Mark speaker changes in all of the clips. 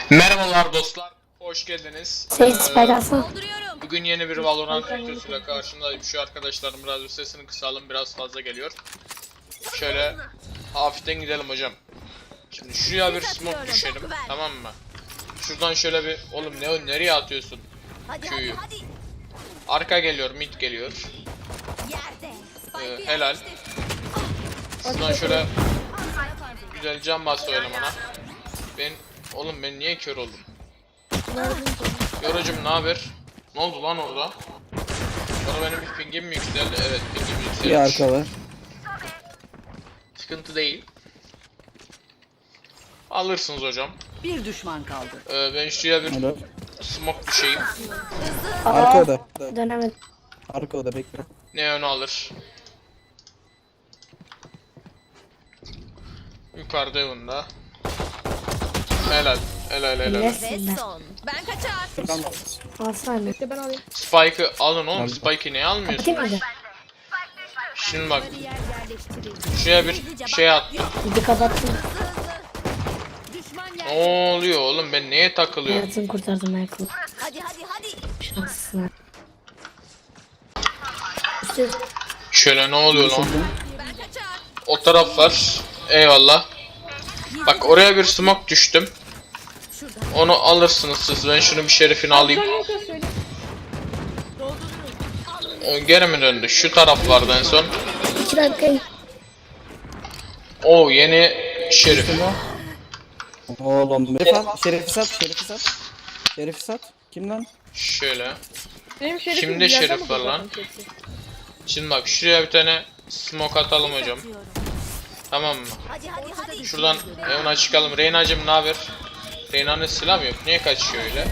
Speaker 1: Merhabalar dostlar, hoş geldiniz. Bugün yeni bir Valorant videosuyla karşınızdayım. Şu arkadaşlarım biraz bir sesini kısalım, biraz fazla geliyor. Şöyle hafiften gidelim hocam. Şimdi şuraya bir smoke düşelim, tamam mı? Şuradan şöyle bir, oğlum nereye atıyorsun? Q'yu. Arka geliyor, mid geliyor. Helal. Şuradan şöyle güzel can bastı elemana. Ben niye kör oldum? Yorucum ne haber? Ne oldu lan orada? Bana benim bir pingim mi yükseldi? Evet, pingim yükselmiş.
Speaker 2: Bir arka var.
Speaker 1: Sıkıntı değil. Alırsınız hocam.
Speaker 3: Bir düşman kaldı.
Speaker 1: Ben şuraya bir
Speaker 2: Helal.
Speaker 1: smoke düşeyim.
Speaker 2: Arka oda.
Speaker 4: Dönemedim.
Speaker 2: Arka oda bekle.
Speaker 1: Neon alır. Yukarıda yanında. Helal. Helal.
Speaker 4: Nesin
Speaker 3: Son. Ben kaçar.
Speaker 4: Alsana.
Speaker 1: Spike'ı alın oğlum.
Speaker 2: Aldım.
Speaker 1: Spike'ı niye almıyorsun?
Speaker 4: Kim öyle?
Speaker 1: Şimdi bak. Şuraya bir şey attım.
Speaker 4: Bir kapattım.
Speaker 3: Düşman
Speaker 1: Ne
Speaker 3: yer.
Speaker 1: oluyor oğlum? Ben neye takılıyorum?
Speaker 4: Hayatını kurtardım Michael.
Speaker 3: Hadi.
Speaker 4: Şanslısın. İşte
Speaker 1: Şöyle ne oluyor lan?
Speaker 3: Ben kaçar.
Speaker 1: O taraf var. Eyvallah. Bak oraya bir smoke düştüm. Onu alırsınız siz. Ben şunu bir şerifini alayım. O geri mi döndü? Şu taraf vardı en son.
Speaker 4: 2 dakika.
Speaker 1: O yeni şerif.
Speaker 2: Oğlum. Şerefi sat. Şerefi sat. Kim lan?
Speaker 1: Şöyle.
Speaker 5: Benim şerefim
Speaker 1: Kimde
Speaker 5: bir yerden
Speaker 1: şerif
Speaker 5: mi
Speaker 1: var lan?
Speaker 5: buldun kesin?
Speaker 1: Şimdi bak şuraya bir tane smoke atalım hocam. Tamam mı?
Speaker 3: Hadi.
Speaker 1: Şuradan evine çıkalım. Reyna'cım ne haber? Reyna'nın silahı yok. Niye kaçıyor öyle?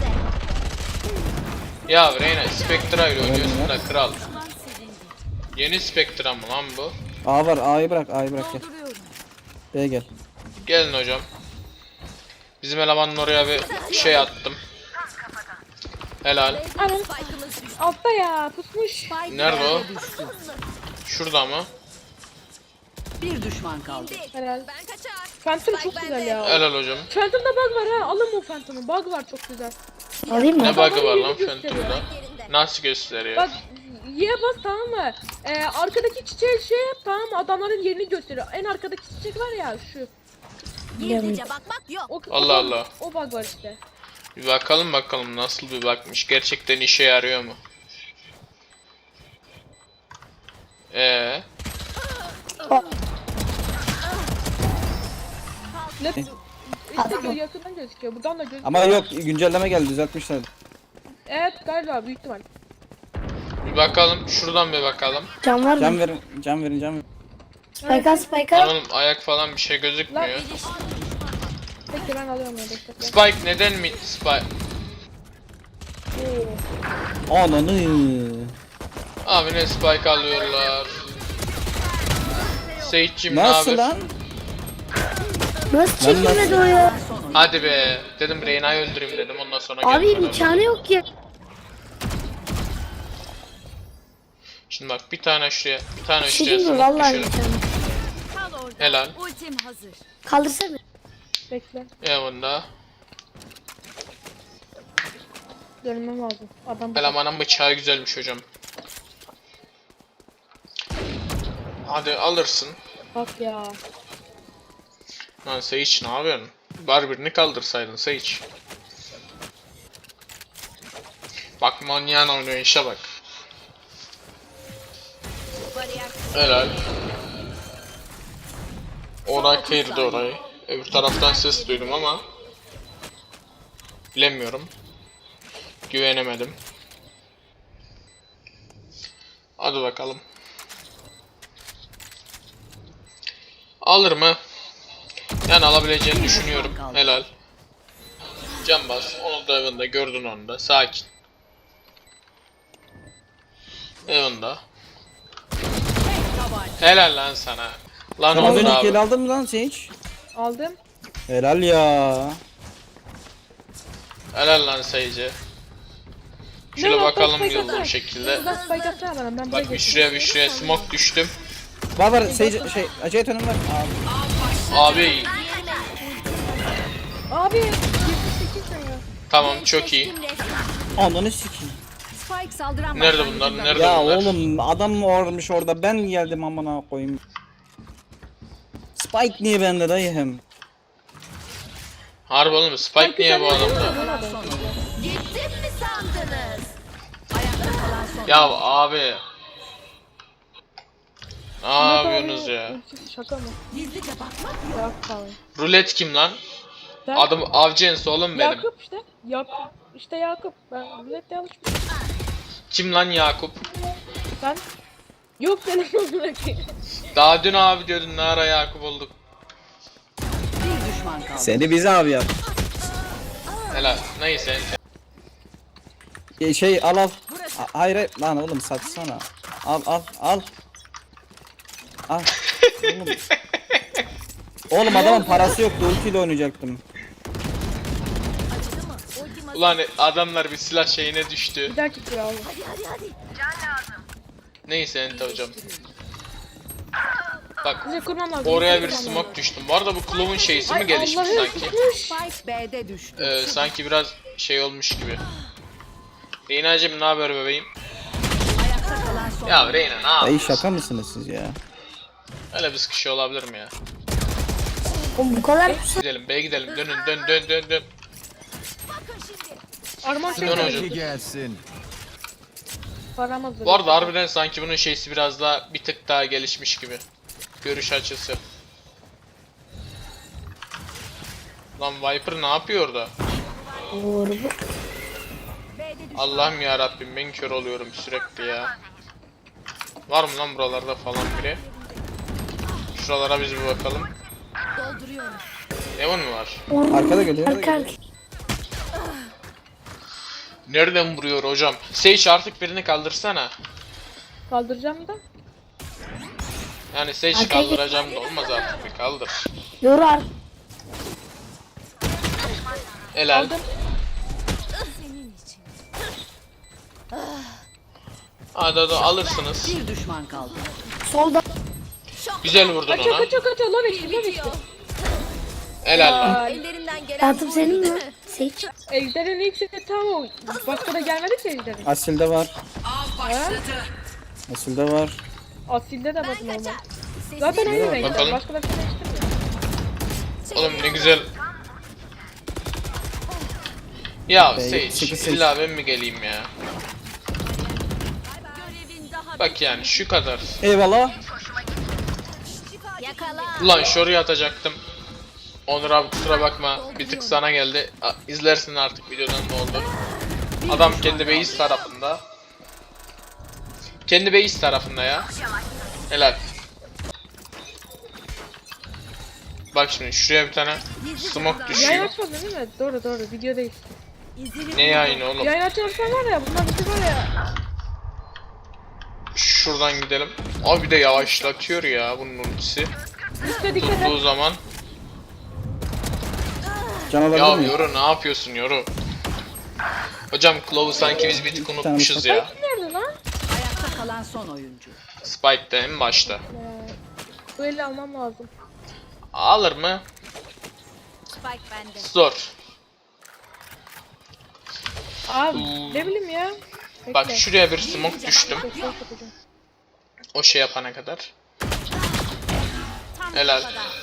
Speaker 1: Ya Reyna Spectra ile oynuyorsun da kral. Yeni Spectra mı lan bu?
Speaker 2: A var. A'yı bırak gel. B'ye gel.
Speaker 1: Gelin hocam. Bizim elemanın oraya bir şey attım. Helal.
Speaker 5: Anam altta ya pusmuş.
Speaker 1: Nerede o? Şurada mı?
Speaker 3: Bir düşman kaldı.
Speaker 5: Helal.
Speaker 3: Ben kaçar.
Speaker 5: Phantom çok güzel ya.
Speaker 1: Helal hocam.
Speaker 5: Phantom'da bug var ha. Alın o Phantom'u. Bug var çok güzel.
Speaker 4: Alayım mı?
Speaker 1: Ne bug'ı var lan
Speaker 5: Yerini gösteriyor.
Speaker 1: Phantom'da? Nasıl gösteriyor?
Speaker 5: Bak Y'ye bas tamam mı? Arkadaki çiçeği şey yap tamam mı? Adamların yerini gösteriyor. En arkadaki çiçek var ya şu.
Speaker 3: Gizlice bakmak yok.
Speaker 1: Allah Allah.
Speaker 5: O bug var işte.
Speaker 1: Bir bakalım nasıl bir bakmış. Gerçekten işe yarıyor mu?
Speaker 5: Ne? İşte yakından gözüküyor. Buradan da gözüküyor.
Speaker 2: Ama yok güncelleme geldi düzeltmişler.
Speaker 5: Evet galiba büyük ihtimal.
Speaker 1: Bir bakalım. Şuradan bir bakalım.
Speaker 4: Can var
Speaker 2: Can
Speaker 4: mı?
Speaker 2: verin.
Speaker 4: Spike al Spike al.
Speaker 1: Oğlum ayak falan bir şey gözükmüyor.
Speaker 5: Peki ben alıyorum ya bekle.
Speaker 1: Spike neden mi? Spike.
Speaker 2: Ananı.
Speaker 1: Abi ne Spike alıyorlar. Seyitçim ne
Speaker 2: Nasıl
Speaker 1: haber?
Speaker 2: lan?
Speaker 4: Nasıl çekilmedi o ya?
Speaker 1: Hadi be. Dedim Reyna'yı öldüreyim dedim ondan sonra
Speaker 4: Abi
Speaker 1: geldim.
Speaker 4: imkanı yok ya.
Speaker 1: Şimdi bak bir tane şuraya, bir tane
Speaker 4: Bir şey
Speaker 1: şuraya
Speaker 4: diyeyim mi?
Speaker 1: smoke
Speaker 4: Vallahi
Speaker 1: düşelim.
Speaker 4: imkanı.
Speaker 3: Kal orada.
Speaker 1: Helal.
Speaker 3: Ultim hazır.
Speaker 4: Kaldırsana.
Speaker 5: Bekle.
Speaker 1: Yanında.
Speaker 5: Dönmem lazım. Adam
Speaker 1: Elemanın bıçağı güzelmiş hocam. Hadi alırsın.
Speaker 5: bak ya.
Speaker 1: Lan Sage ne yapıyorsun? Var birini kaldırsaydın Sage. Bak manyağın oynuyor işe bak. Helal. Oraya kıyırdı orayı. Öbür taraftan ses duydum ama bilemiyorum. Güvenemedim. Hadi bakalım. Alır mı? Yani alabileceğini düşünüyorum. Helal. Can bas. Onu da evinde gördün onu da. Sakin. Evinde. Helal lan sana. Lan
Speaker 2: Sen az
Speaker 1: oldu
Speaker 2: önceki
Speaker 1: abi.
Speaker 2: el aldın mı lan sen hiç?
Speaker 5: Aldım.
Speaker 2: Helal ya.
Speaker 1: Helal lan Sage'e. Şöyle
Speaker 5: Ne,
Speaker 1: bakalım
Speaker 5: spike
Speaker 1: yolda
Speaker 5: atsana.
Speaker 1: bir şekilde.
Speaker 5: Buradan spike atsana bana. Ben buraya
Speaker 1: Bak bir
Speaker 5: geçeyim.
Speaker 1: şuraya smoke düştüm.
Speaker 2: Var acayip önüm var. Abi.
Speaker 1: Abi
Speaker 5: Abi 78
Speaker 1: Tamam, çok iyi.
Speaker 2: Ananı sikeyim.
Speaker 3: Spike saldıran
Speaker 1: Nerede
Speaker 3: başlangıcında.
Speaker 1: bunlar? Nerede
Speaker 2: Ya
Speaker 1: bunlar?
Speaker 2: oğlum adam varmış orada, ben geldim amına koyayım. Spike niye bende dayı hem?
Speaker 1: Harbi oğlum, Spike niye bu adamda?
Speaker 3: Gittim mi sandınız? Ayakta kalan son.
Speaker 1: Ya abi. Ne yapıyorsunuz ya?
Speaker 5: Şaka mı?
Speaker 3: Gizlice bakmak
Speaker 5: Yok falan.
Speaker 1: Rulet kim lan?
Speaker 5: Ben-
Speaker 1: Adım Avcens oğlum benim.
Speaker 5: Yakup işte. Yakup. İşte Yakup. Ben millet yanlış mı?
Speaker 1: Kim lan Yakup?
Speaker 5: Ben. Yok benim bırakayım.
Speaker 1: Daha dün abi diyordun, ne ara Yakup olduk.
Speaker 3: bir düşman kaldı.
Speaker 2: Seni bize abi yap.
Speaker 1: Helal. Neyse.
Speaker 2: Şey al al. Hayır hayır lan oğlum satsana. Al al al. Al. Oğlum. Oğlum adamın parası yoktu, ultiyle oynayacaktım.
Speaker 1: Ulan adamlar bir silah şeyine düştü.
Speaker 5: Bir dakika kral.
Speaker 1: Neyse Ente hocam. Bak
Speaker 5: Bize kurmam lazım.
Speaker 1: oraya bir
Speaker 5: Kurmam lazım.
Speaker 1: smoke düştüm. Bu arada bu Clove'un şeysi mi
Speaker 5: Ay,
Speaker 1: gelişmiş
Speaker 5: Allah'ım,
Speaker 1: sanki?
Speaker 5: tutmuş.
Speaker 3: Spike B'de düştü.
Speaker 1: Sanki biraz şey olmuş gibi. Reyna'cım ne haber bebeğim?
Speaker 3: Ayakta kalan son.
Speaker 1: Ya Reyna ne
Speaker 2: Dayı
Speaker 1: yapıyorsun?
Speaker 2: şaka mısınız siz ya?
Speaker 1: Öyle bir sıkışı olabilir mi ya?
Speaker 4: Oğlum bu kadar
Speaker 1: Gidelim B'ye gidelim, dönün dön.
Speaker 5: Arman
Speaker 1: Dön hocam.
Speaker 5: çekti.
Speaker 6: Gelsin.
Speaker 5: Param hazır.
Speaker 1: Bu arada harbiden sanki bunun şeysi biraz daha bir tık daha gelişmiş gibi. Görüş açısı. Lan Viper ne yapıyor orada?
Speaker 4: doğru bu.
Speaker 1: Allah'ım ya Rabbim, ben kör oluyorum sürekli ya. Var mı lan buralarda falan biri? Şuralara biz bir bakalım.
Speaker 3: Dolduruyorum.
Speaker 1: Evan mı var?
Speaker 2: Arkada geliyor.
Speaker 4: Arka arka.
Speaker 1: Nereden vuruyor hocam? Sage artık birini kaldırsana.
Speaker 5: Kaldıracağım da.
Speaker 1: Yani Sage
Speaker 4: Arkaya
Speaker 1: kaldıracağım da olmaz artık, bir kaldır.
Speaker 4: Yoru ar.
Speaker 1: Helal.
Speaker 5: Aldım.
Speaker 1: Hadi alırsınız.
Speaker 3: Bir düşman kaldı.
Speaker 4: Solda.
Speaker 1: Güzel vurdun
Speaker 5: Kaçıyor
Speaker 1: ona.
Speaker 5: kaçıyor. Low işte low işte.
Speaker 1: Helal lan.
Speaker 5: Ay,
Speaker 3: Ellerinden gelen
Speaker 4: Phantom senin mi? Seç.
Speaker 5: Ejder'in ilk seti tam o. Başka da gelmedi ki Ejder'in.
Speaker 2: Asil'de var. Asil'de var.
Speaker 5: Asil'de de var normal. Zaten aynı renkler.
Speaker 1: Bakalım.
Speaker 5: Başka da bir şey değiştirmiyor.
Speaker 1: Oğlum ne güzel. Ya
Speaker 2: Be,
Speaker 1: Sage,
Speaker 2: sıkı Sage.
Speaker 1: illa ben mi geleyim ya? Bak yani şu kadar.
Speaker 2: Eyvallah.
Speaker 3: yakala.
Speaker 1: Ulan şuraya atacaktım. Onur abi kusura bakma, bir tık sana geldi. İzlersin artık videodan ne oldu. Adam kendi base tarafında. Kendi base tarafında ya. Helal. Bak şimdi şuraya bir tane smoke
Speaker 5: Yayın
Speaker 1: düşüyor.
Speaker 5: açmadın değil mi? Doğru doğru videodayız.
Speaker 1: Ne yayını oğlum?
Speaker 5: Yayın açarsan var ya bunlar bizi var ya.
Speaker 1: Şuradan gidelim. Abi bir de yavaşlatıyor ya bunun ultisi.
Speaker 5: Üste dikkat et.
Speaker 1: Tuttuğu zaman.
Speaker 2: Can
Speaker 1: Ya
Speaker 2: alabilir miyim?
Speaker 1: Yoru ne yapıyorsun Yoru? Hocam Clove'u sanki biz bir tık unutmuşuz ya.
Speaker 5: Nerede lan?
Speaker 3: Ayakta kalan son oyuncu.
Speaker 1: Spike'da en başta.
Speaker 5: Bu eli almam lazım.
Speaker 1: Alır mı?
Speaker 3: Spike bende.
Speaker 1: Zor.
Speaker 5: Abi ne bileyim ya. Bekle.
Speaker 1: Bak şuraya bir smoke düştüm.
Speaker 5: Bekle, yapacağım.
Speaker 1: O şey yapana kadar. Helal.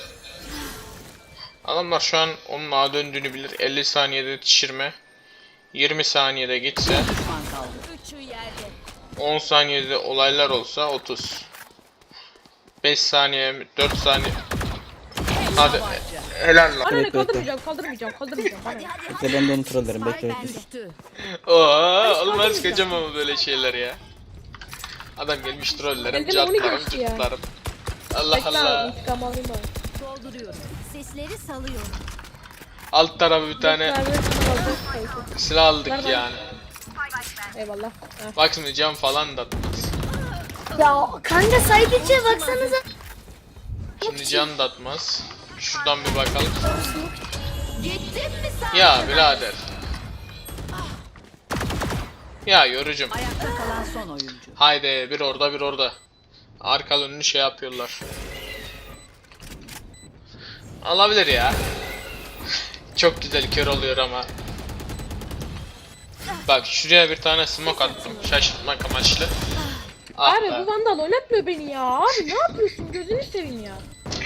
Speaker 1: Adamlar şu an onun ağa döndüğünü bilir. 50 saniyede yetişirme. 20 saniyede gitse.
Speaker 3: Düşman kaldı. Üçü yerde.
Speaker 1: 10 saniyede olaylar olsa 30. 5 saniye, 4 saniye. Hadi. Helal lan.
Speaker 5: Bana ne
Speaker 2: Bekle, bekle.
Speaker 5: kaldırmayacağım. Bana ne?
Speaker 2: Bekle ben de onu trollerim, bekle
Speaker 3: Spike
Speaker 2: bekle.
Speaker 3: düştü.
Speaker 1: Oo, olmaz kocam ama böyle şeyler ya. Adam gelmiş trollerim,
Speaker 5: Elden onu
Speaker 1: cartlarım,
Speaker 5: geçti ya.
Speaker 1: cırtlarım. Allah
Speaker 5: Bekle abi
Speaker 1: Allah.
Speaker 5: intikam alayım bari.
Speaker 3: Dolduruyorum. Sesleri salıyorum.
Speaker 1: Alt tarafı bir tane
Speaker 5: Bekle abi, şunu alacağız, kayısı.
Speaker 1: silah aldık
Speaker 5: Nereden?
Speaker 1: yani.
Speaker 5: Eyvallah. Heh.
Speaker 1: Bak şimdi cam falan da atmaz.
Speaker 4: Ya kanka side içe baksanıza.
Speaker 1: Şimdi can da atmaz. Şuradan bir bakalım.
Speaker 3: Gittim mi sandınız?
Speaker 1: Ya birader. Ya yorucum.
Speaker 3: Ayakta kalan son oyuncu.
Speaker 1: Haydi bir orada bir orada. Arka önünü şey yapıyorlar. Alabilir ya. Çok güzel kör oluyor ama. Bak şuraya bir tane smoke attım. Şaşırtmak amaçlı. Ah
Speaker 5: Abi
Speaker 1: be.
Speaker 5: bu vandal oynatmıyor beni ya. Abi ne yapıyorsun? Gözünü seveyim ya.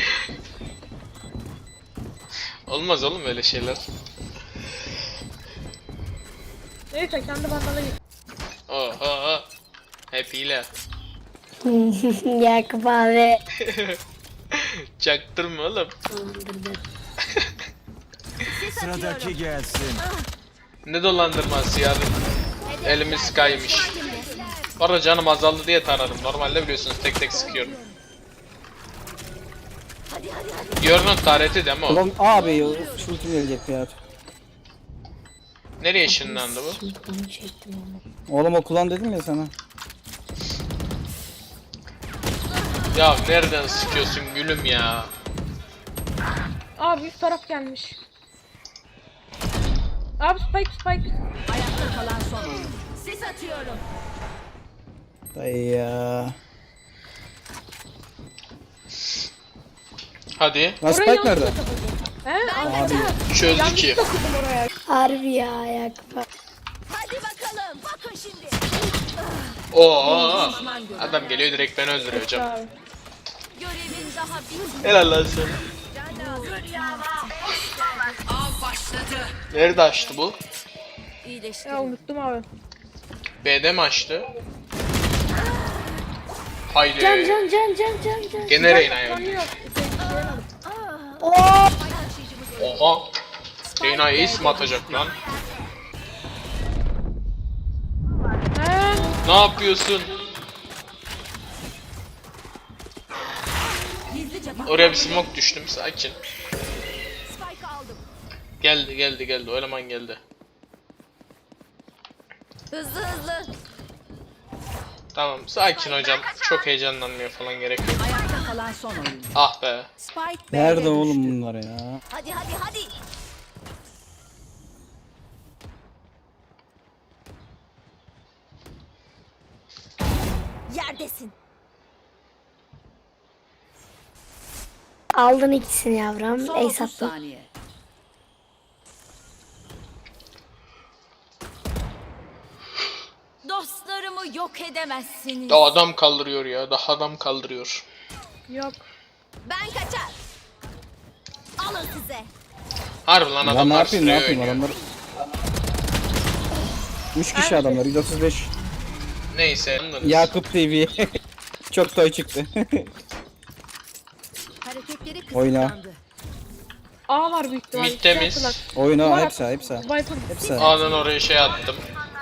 Speaker 1: Olmaz oğlum öyle şeyler.
Speaker 5: Neyse kendi vandala git.
Speaker 1: Oho. Hep hile.
Speaker 4: Yakup abi.
Speaker 1: Çaktırma oğlum.
Speaker 6: Sıradaki gelsin.
Speaker 1: Ne dolandırması yani. Elimiz kaymış. Bu arada canım azaldı diye taradım. Normalde biliyorsunuz tek tek sıkıyorum. Yorunun tarihti değil mi o?
Speaker 2: Ulan abi şu ultim gelecek ya.
Speaker 1: Nereye ışınlandı bu?
Speaker 2: Oğlum o kullan dedim ya sana.
Speaker 1: Ya nereden sıkıyorsun gülüm ya?
Speaker 5: Abi üst taraf gelmiş. Abi spike.
Speaker 3: Ayakta kalan son oyuncu. Sis atıyorum.
Speaker 2: Dayı ya.
Speaker 1: Hadi.
Speaker 2: Lan
Speaker 5: Oraya
Speaker 2: Spike
Speaker 5: yanlış
Speaker 2: nerede?
Speaker 5: takıldım. He?
Speaker 2: Abi
Speaker 1: Çözdü ki.
Speaker 5: Takıldım oraya.
Speaker 4: Harbi ya Yakup abi.
Speaker 3: Hadi bakalım. Bakın şimdi.
Speaker 1: Oo. Adam geliyor direkt beni öldürüyor hocam.
Speaker 5: Abi.
Speaker 3: Görevin daha bitmedi.
Speaker 1: Helal lan sana. Nerede açtı bu?
Speaker 3: İyileşti.
Speaker 5: Ya unuttum abi.
Speaker 1: B'de mi açtı? Haydi.
Speaker 4: Can.
Speaker 1: Gene Reyna'ya
Speaker 5: Canı
Speaker 1: öldü.
Speaker 5: yok.
Speaker 1: Oha. Reyna ace mi atacak lan?
Speaker 5: He?
Speaker 1: Ne yapıyorsun?
Speaker 3: Gizlice bak.
Speaker 1: Oraya bir smoke düştüm sakin.
Speaker 3: Spike aldım.
Speaker 1: Geldi. O eleman geldi.
Speaker 3: Hızlı hızlı.
Speaker 1: Tamam sakin hocam. Çok heyecanlanmıyor falan gerek yok.
Speaker 3: Ayakta kalan son oyuncu.
Speaker 1: Ah be.
Speaker 3: Spike B'de
Speaker 2: nerede
Speaker 3: düştü.
Speaker 2: oğlum bunlar ya?
Speaker 3: Hadi. Yerdesin.
Speaker 4: Aldın ikisini yavrum.
Speaker 3: Son
Speaker 4: Ace
Speaker 3: 30
Speaker 4: attın.
Speaker 3: saniye. Dostlarımı yok edemezsiniz.
Speaker 1: Daha adam kaldırıyor ya. Daha adam kaldırıyor.
Speaker 5: Yok.
Speaker 3: Ben kaçar. Alın size.
Speaker 1: Harbi lan
Speaker 2: Lan ne
Speaker 1: adamlar
Speaker 2: yapayım ne
Speaker 1: sıraya
Speaker 2: yapayım
Speaker 1: oynuyor.
Speaker 2: adamlar. 3 kişi adamlar 135.
Speaker 1: Neyse. anladınız.
Speaker 2: Yakup TV. Çok toy çıktı.
Speaker 3: Hareketleri
Speaker 2: Oyna.
Speaker 3: kısıtlandı.
Speaker 5: A var büyük ihtimalle.
Speaker 1: Mid temiz.
Speaker 5: Şey yaptılar.
Speaker 2: Oyna
Speaker 5: Duvar
Speaker 2: hepsi
Speaker 5: attı.
Speaker 2: hepsi.
Speaker 5: Viper.
Speaker 2: Hepsi.
Speaker 1: A'dan oraya şey attım.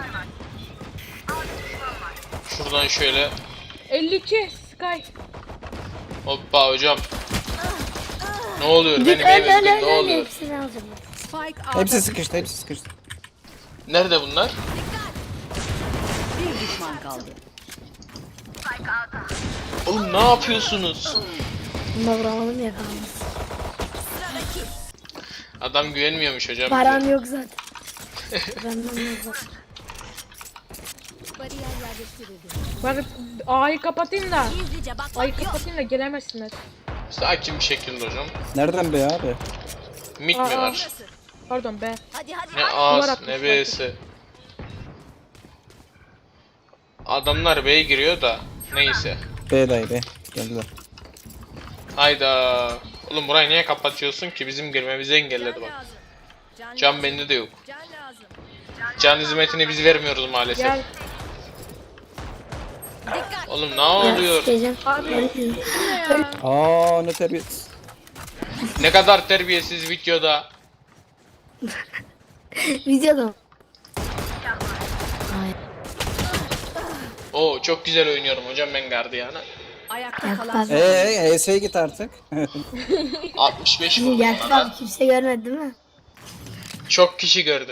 Speaker 1: Şuradan şöyle.
Speaker 5: 52 Sky.
Speaker 1: Hoppa hocam. Ne oluyor?
Speaker 4: Git
Speaker 1: Benim
Speaker 4: öl
Speaker 1: evimde ne oluyor?
Speaker 4: Hepsini alacağım.
Speaker 3: Spike A'da.
Speaker 2: Hepsi sıkıştı.
Speaker 1: Nerede bunlar?
Speaker 3: Bir düşman kaldı.
Speaker 1: Oğlum ne yapıyorsunuz?
Speaker 4: Bunda vuramadım ya kalmış.
Speaker 1: Adam güvenmiyormuş hocam.
Speaker 4: Param yok zaten. Benden yok zaten.
Speaker 3: Bariyer yerleştirildi.
Speaker 5: Ben A'yı kapatayım da.
Speaker 3: Gizlice
Speaker 5: A'yı
Speaker 3: bakmak yok.
Speaker 5: kapatayım da gelemezsinler.
Speaker 1: Sakin bir şekilde hocam.
Speaker 2: Nereden be abi?
Speaker 1: Mid mi
Speaker 5: Aa.
Speaker 1: var?
Speaker 5: Pardon be.
Speaker 3: Hadi.
Speaker 1: Ne
Speaker 5: Duvar
Speaker 1: A'sı
Speaker 5: atmış
Speaker 1: ne B'si. Adamlar B'ye giriyor da. Neyse.
Speaker 2: B dayı be. Geldiler.
Speaker 1: Hayda. Oğlum burayı niye kapatıyorsun ki? Bizim girmemizi engelledi bak. Can bende de yok.
Speaker 3: Can lazım.
Speaker 1: Can hizmetini biz vermiyoruz maalesef.
Speaker 5: Gel.
Speaker 3: Dikkat.
Speaker 1: Oğlum ne oluyor?
Speaker 4: Sikeceğim.
Speaker 5: Abi.
Speaker 2: Aa ne terbiyesiz.
Speaker 1: Ne kadar terbiyesiz videoda.
Speaker 4: Videoda mı?
Speaker 1: Oo çok güzel oynuyorum hocam ben gardiyana.
Speaker 3: Ayakta
Speaker 4: Yakup
Speaker 3: kalan
Speaker 4: abi.
Speaker 3: son oyuncu.
Speaker 2: HS'ye git artık.
Speaker 1: 65 vurdum
Speaker 4: Yakup
Speaker 1: ona da.
Speaker 4: abi kimse görmedi değil mi?
Speaker 1: Çok kişi gördü.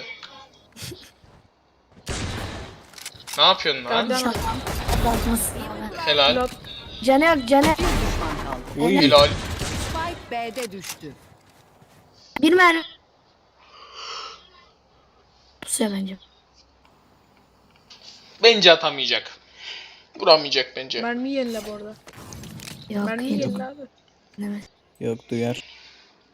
Speaker 1: Ne yapıyorsun lan?
Speaker 5: Can.
Speaker 4: Atlatmasın abi.
Speaker 1: Helal.
Speaker 5: Blok.
Speaker 4: Canı yok canı.
Speaker 2: Uy.
Speaker 1: Helal.
Speaker 3: Spike B'de düştü.
Speaker 4: Bir mermi. Pusuyor bence.
Speaker 1: Bence atamayacak. Vuramayacak bence.
Speaker 5: Mermi yenile bu arada.
Speaker 4: Yok.
Speaker 5: Mermi
Speaker 4: yok.
Speaker 5: yenile abi.
Speaker 4: Evet.
Speaker 2: Yok duyar.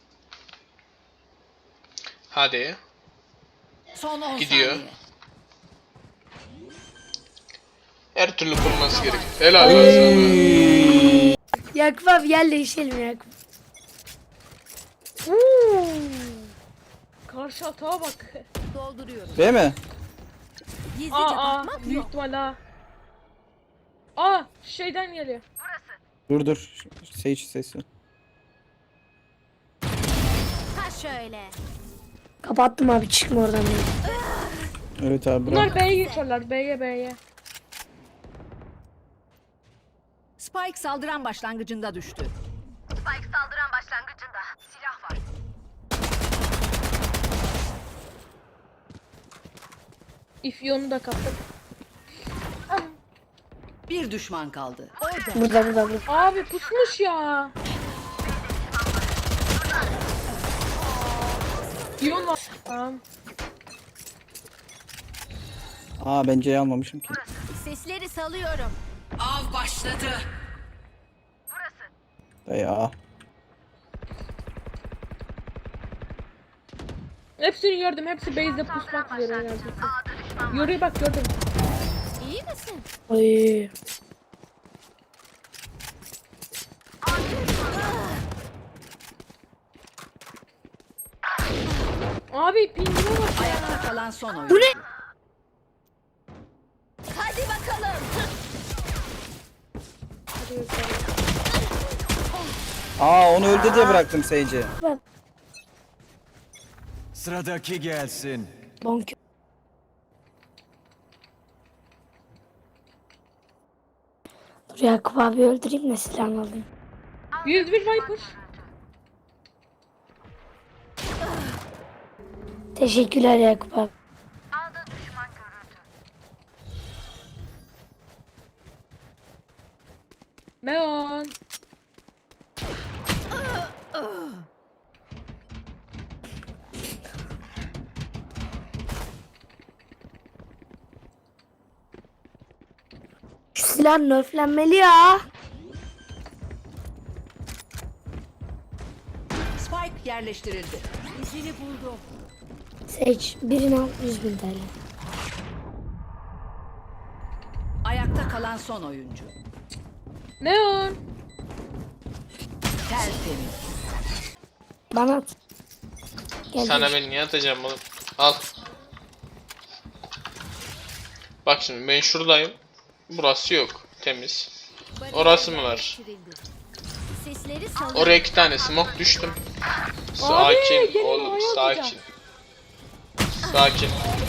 Speaker 1: Hadi.
Speaker 3: Son 10
Speaker 1: Gidiyor.
Speaker 3: saniye.
Speaker 1: Her türlü kurması gerek. Helal lan sana.
Speaker 4: Yakup abi gel değişelim Yakup.
Speaker 5: Karşı atağa bak.
Speaker 3: Dolduruyorum.
Speaker 2: Değil mi?
Speaker 3: Gizlice
Speaker 5: Aa
Speaker 3: bakmak
Speaker 5: büyük
Speaker 3: yok.
Speaker 5: ihtimal ha. Aa şeyden geliyor.
Speaker 2: Dur. Sage sesi.
Speaker 3: Ha şöyle.
Speaker 4: Kapattım abi çıkma oradan benim.
Speaker 2: Evet abi bırak.
Speaker 5: Bunlar B'ye geçiyorlar. B'ye.
Speaker 3: Spike saldıran başlangıcında düştü.
Speaker 5: İfyonu da kaptım.
Speaker 3: Bir düşman kaldı. Orada.
Speaker 4: Burada.
Speaker 5: Abi pusmuş ya. İyon var. Tamam.
Speaker 2: Aa ben C'yi almamışım ki.
Speaker 3: Sesleri salıyorum. Av başladı.
Speaker 2: Ya.
Speaker 5: Hepsini gördüm. Hepsi base'de pusmak üzere neredeyse. Yoruya bak gördüm.
Speaker 3: İyi misin?
Speaker 4: Oy.
Speaker 5: Abi pingine bak ya.
Speaker 3: Ayakta kalan son oyun.
Speaker 4: Bu ne?
Speaker 3: Hadi bakalım.
Speaker 5: Hadi bakalım.
Speaker 2: Aa onu öldü diye bıraktım Sage'i.
Speaker 6: Sıradaki gelsin.
Speaker 4: Bonk. Dur Yakup abi öldüreyim de silahını alayım.
Speaker 5: 101 Viper.
Speaker 4: Teşekkürler Yakup abi.
Speaker 5: Meon.
Speaker 4: Şu silah nerflenmeli ya.
Speaker 3: Spike yerleştirildi. İzini buldum.
Speaker 4: Sage birini al 100.000 TL.
Speaker 3: Ayakta kalan son oyuncu.
Speaker 5: Meon.
Speaker 3: Tertemiz.
Speaker 4: Bana at. Gel
Speaker 1: Sana
Speaker 4: dur.
Speaker 1: ben niye atacağım oğlum? Al. Bak şimdi ben şuradayım. Burası yok. Temiz. Orası mı var?
Speaker 3: Sesleri salıyorum.
Speaker 1: Oraya 2 tane smoke düştüm. Sakin
Speaker 5: gelin
Speaker 1: oğlum
Speaker 5: oraya
Speaker 1: sakin. Sakin.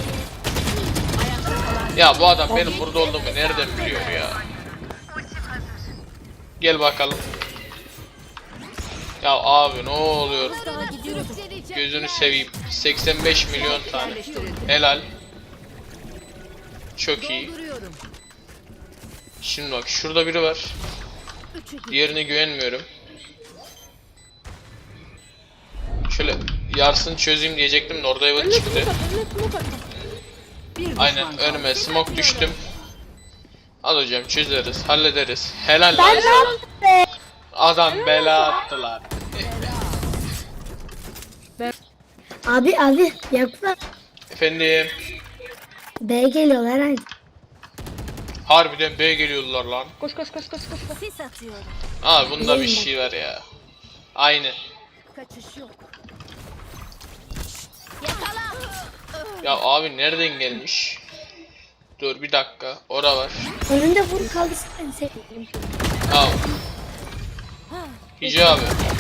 Speaker 1: Ya bu adam benim burada olduğumu nereden biliyor ya? Gel bakalım. Ya abi ne oluyor?
Speaker 3: Daha gidiyorum.
Speaker 1: Gözünü seveyim. 85 milyon tane.
Speaker 3: Yerleştirildi.
Speaker 1: Helal. Çok iyi.
Speaker 3: Dolduruyorum.
Speaker 1: Şimdi bak şurada biri var. Diğerine güvenmiyorum. Şöyle yarsın çözeyim diyecektim de orada evet
Speaker 5: Önüne
Speaker 1: çıktı.
Speaker 5: smoke at. Önüne smoke at.
Speaker 3: Bir düşman
Speaker 1: Aynen
Speaker 3: kaldı.
Speaker 1: önüme smoke düştüm. Al hocam çözeriz, hallederiz. Helal lan sana. Adam bela attılar.
Speaker 4: Abi Yakup abi.
Speaker 1: Efendim.
Speaker 4: B geliyorlar hani.
Speaker 1: Harbiden B geliyorlar lan.
Speaker 5: Koş.
Speaker 3: Sis atıyorum.
Speaker 1: Aa bunda bir şey var ya. Aynı.
Speaker 3: Kaçış yok.
Speaker 1: Ya abi nereden gelmiş? Dur bir dakika. Ora var.
Speaker 4: Önünde vur kaldırsın beni Sage.
Speaker 1: Al. Hicabi.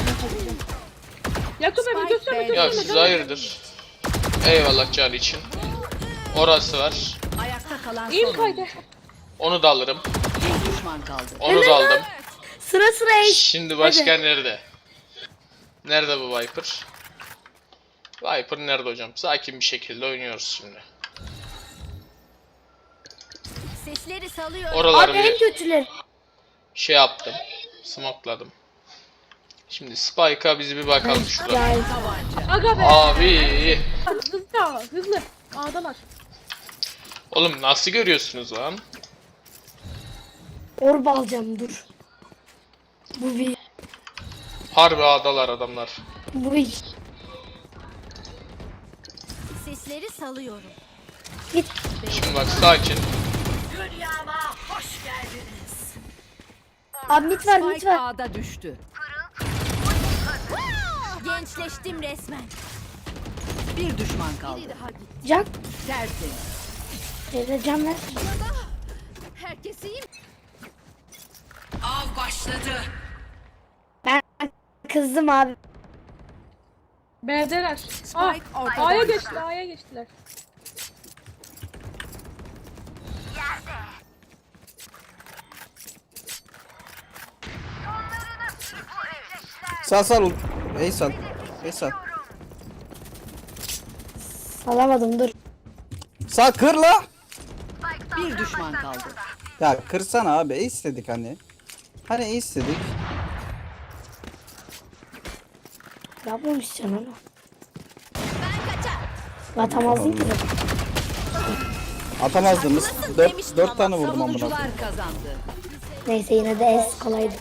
Speaker 5: Yakup abi gösterme
Speaker 3: Spike
Speaker 1: Ya
Speaker 5: gösterme.
Speaker 1: siz hayırdır? Eyvallah can için. Orası var.
Speaker 3: Ayakta kalan son
Speaker 5: İyi
Speaker 3: oyuncu.
Speaker 5: kaydı.
Speaker 1: Onu da alırım.
Speaker 3: Bir düşman kaldı.
Speaker 1: Onu da aldım.
Speaker 4: Sıra eş.
Speaker 1: Şimdi başka nerede? Nerede bu Viper? Viper nerede hocam? Sakin bir şekilde oynuyoruz şimdi.
Speaker 3: Sesleri salıyorum.
Speaker 1: Oraları
Speaker 4: Abi en
Speaker 1: bir
Speaker 4: kötüleri.
Speaker 1: şey yaptım. Smokeladım. Şimdi Spike'a bizi bir bakalım şurada.
Speaker 4: Ya
Speaker 5: Aga be.
Speaker 1: Abi.
Speaker 5: Hızlı. A'dalar.
Speaker 1: Oğlum nasıl görüyorsunuz lan?
Speaker 4: orba alacağım dur. Bu bir.
Speaker 1: Harbi adalar adamlar.
Speaker 4: Bu bir.
Speaker 3: Sesleri salıyorum.
Speaker 4: Git.
Speaker 1: Şimdi bak sakin.
Speaker 4: Abi mit var mit
Speaker 3: Spike
Speaker 4: var.
Speaker 3: A'da düştü. Gençleştim resmen. Bir düşman kaldı.
Speaker 4: Can.
Speaker 3: Tertemiz.
Speaker 4: Can ver.
Speaker 3: Herkes iyi mi? Av başladı.
Speaker 4: Ben kızdım abi.
Speaker 5: B'deler. Ah,
Speaker 3: Spike ortada
Speaker 5: A'ya
Speaker 3: düştü.
Speaker 5: geçti, A'ya geçtiler.
Speaker 2: Sal sal. Ey sal. Ey sal.
Speaker 4: Salamadım dur.
Speaker 2: Sal kır la.
Speaker 3: Bir düşman kaldı.
Speaker 2: Ya kırsana abi. Ey istedik hani. Hani ey istedik.
Speaker 4: Yapmamışsın onu. Atamazdın ki.
Speaker 2: Atamazdınız. 4 tane vurdum amına.
Speaker 3: Savunucular kazandı.
Speaker 4: Neyse yine de es kolaydı.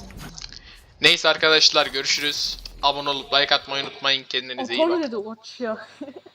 Speaker 1: Neyse arkadaşlar görüşürüz. Abone olup like atmayı unutmayın. Kendinize iyi
Speaker 5: Apollo
Speaker 1: bakın.
Speaker 5: dedi uç ya.